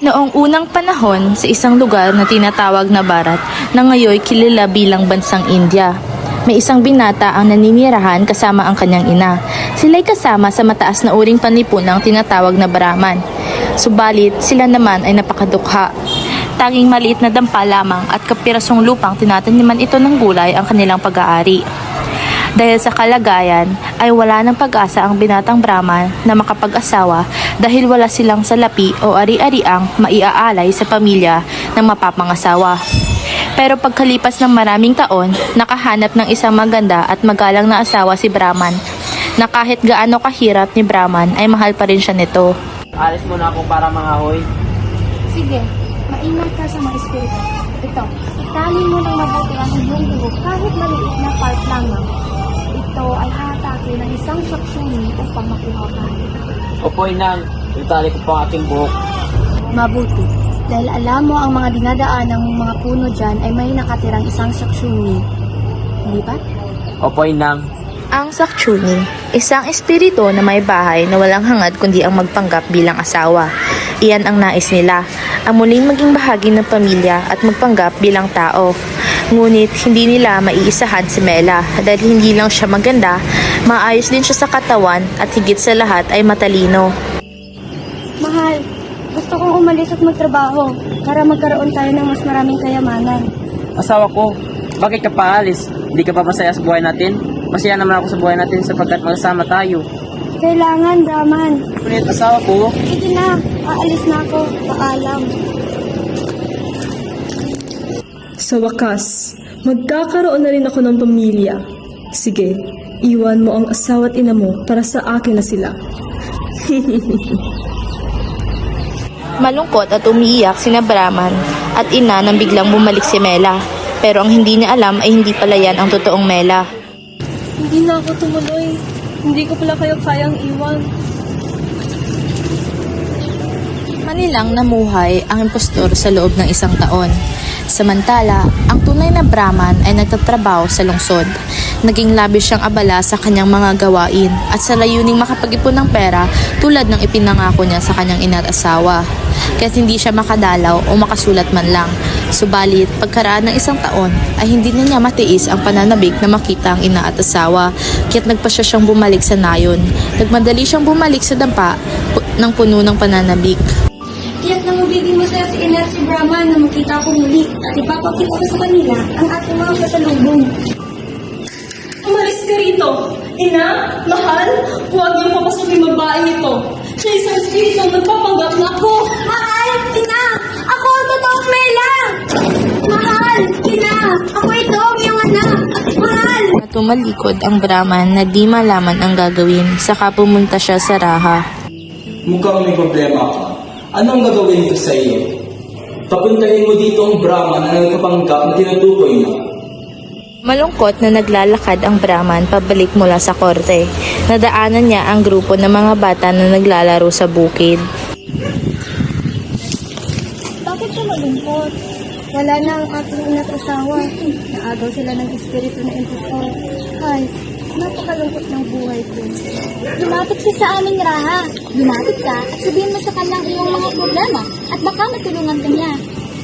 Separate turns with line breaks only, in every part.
Noong unang panahon sa isang lugar na tinatawag na Bharat na ngayon kilala bilang bansang India, may isang binata ang naninirahan kasama ang kanyang ina. Sila'y kasama sa mataas na uring panipunang tinatawag na Brahman. Subalit sila naman ay napakadukha. Tanging maliit na dampa lamang at kapirasong lupang tinataniman ito ng gulay ang kanilang pag-aari. Dahil sa kalagayan ay wala ng pag-asa ang binatang Brahman na makapag-asawa dahil wala silang salapi o ari-ariang maiaalay sa pamilya ng mapapangasawa. Pero pagkalipas ng maraming taon, nakahanap ng isang maganda at magalang na asawa si Brahman na kahit gaano kahirap ni Brahman ay mahal pa rin siya nito.
Alis muna ako para mangahoy.
Sige, maingat ka sa mga espiritu. Ito, itali mo ng mabuti ang iyong dugo kahit maliit na part lamang. Ito ay hatake ng isang saksuni upang makuha ka.
Opo, Inang. Itali ko po ang aking buhok.
Mabuti, dahil alam mo ang mga dinadaan ng mga puno dyan ay may nakatirang isang saksuni. Hindi ba?
Opo, Inang.
Ang Sakchuni, isang espiritu na may bahay na walang hangad kundi ang magpanggap bilang asawa. Iyan ang nais nila, ang muling maging bahagi ng pamilya at magpanggap bilang tao. Ngunit hindi nila maiisahan si Mela dahil hindi lang siya maganda, maayos din siya sa katawan at higit sa lahat ay matalino.
Mahal, gusto kong umalis at magtrabaho para magkaroon tayo ng mas maraming kayamanan.
Asawa ko, bakit ka pa alis? Hindi ka pa masaya sa buhay natin? Masaya naman ako sa buhay natin sapagkat magkasama tayo.
Kailangan, Brahman.
Ngunit asawa ko,
Sige na, aalis na ako. Paalam.
Sa wakas, magkakaroon na rin ako ng pamilya. Sige, iwan mo ang asawa at ina mo para sa akin na sila.
Malungkot at umiiyak sina Brahman at ina nang biglang bumalik si Mela. Pero ang hindi niya alam ay hindi pala yan ang totoong Mela.
Hindi na ako tumuloy. Hindi ko pala kayo kayang iwan.
Manilang namuhay ang impostor sa loob ng isang taon. Samantala, ang tunay na Brahman ay nagtatrabaho sa lungsod. Naging labis siyang abala sa kanyang mga gawain at sa layuning makapag-ipon ng pera tulad ng ipinangako niya sa kanyang ina at asawa. Kaya't hindi siya makadalaw o makasulat man lang. Subalit, pagkaraan ng isang taon ay hindi na niya matiis ang pananabik na makita ang ina at asawa. Kaya't nagpasya siyang bumalik sa nayon. Nagmadali siyang bumalik sa dampa ng puno ng pananabik.
Tiyak na magiging masaya si Ina at si Brahman na makita ko muli at ipapakita ko sa kanila ang ating mga kasalubong.
Umalis ka rito. Ina, mahal, huwag niyong papasukin babaeng ito. Siya isang espiritu ang nagpapanggap na ako.
Mahal! Ina! Ako ang totoong Mela! Mahal! Ina! Ako ito ang iyong anak! Mahal!
Tumalikod ang Brahman na di malaman ang gagawin, saka pumunta siya sa Raha.
Mukhang may problema ka. Anong gagawin ko sa iyo? Papuntahin mo dito ang Brahman na nagpapanggap na tinutukoy mo.
Malungkot na naglalakad ang Brahman pabalik mula sa korte. Nadaanan niya ang grupo ng mga bata na naglalaro sa bukid.
Bakit ka malungkot? Wala na ang ating ina't asawa. Naagaw sila ng espiritu na impostor. Ay, napakalungkot ng buhay ko. Lumapit ka sa aming Raha. Lumapit ka at sabihin mo sa kanyang iyong mga problema at baka matulungan ka niya.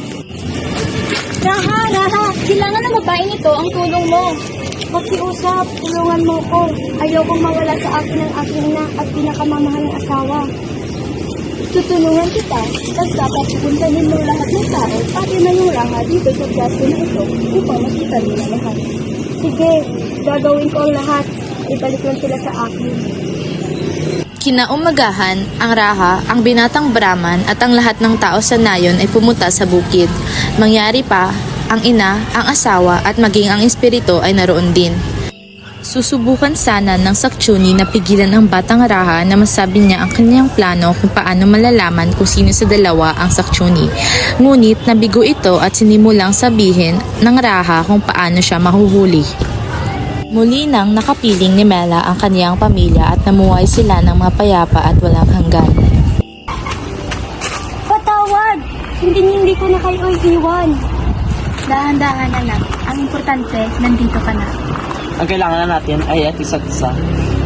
Raha, Raha, kailangan ng babaeng ito ang tulong mo. Pakiusap, tulungan mo ko. Ayokong mawala sa akin ang aking ina at pinakamamahal ng asawa. Tutulungan kita, basta papupuntahin mo lahat ng tao, pati na yung Raha dito sa pwesto na ito upang makita nila lahat. Sige, gagawin ko ang lahat. Ibalik lang sila sa akin.
Kinaumagahan, ang Raha, ang binatang Brahman at ang lahat ng tao sa nayon ay pumunta sa bukid. Mangyari pa, ang ina, ang asawa at maging ang espiritu ay naroon din. Susubukan sana ng Sakchuni na pigilan ang batang Raha na masabi niya ang kanyang plano kung paano malalaman kung sino sa dalawa ang Sakchuni. Ngunit nabigo ito at sinimulang sabihin ng Raha kung paano siya mahuhuli. Muli nang nakapiling ni Mela ang kaniyang pamilya at namuhay sila ng mapayapa at walang hanggan.
Patawad! Hindi ko na kayo iiwan. Dahan-dahan anak. Ang importante, nandito ka na.
ang kailangan na natin ay at isa't isa.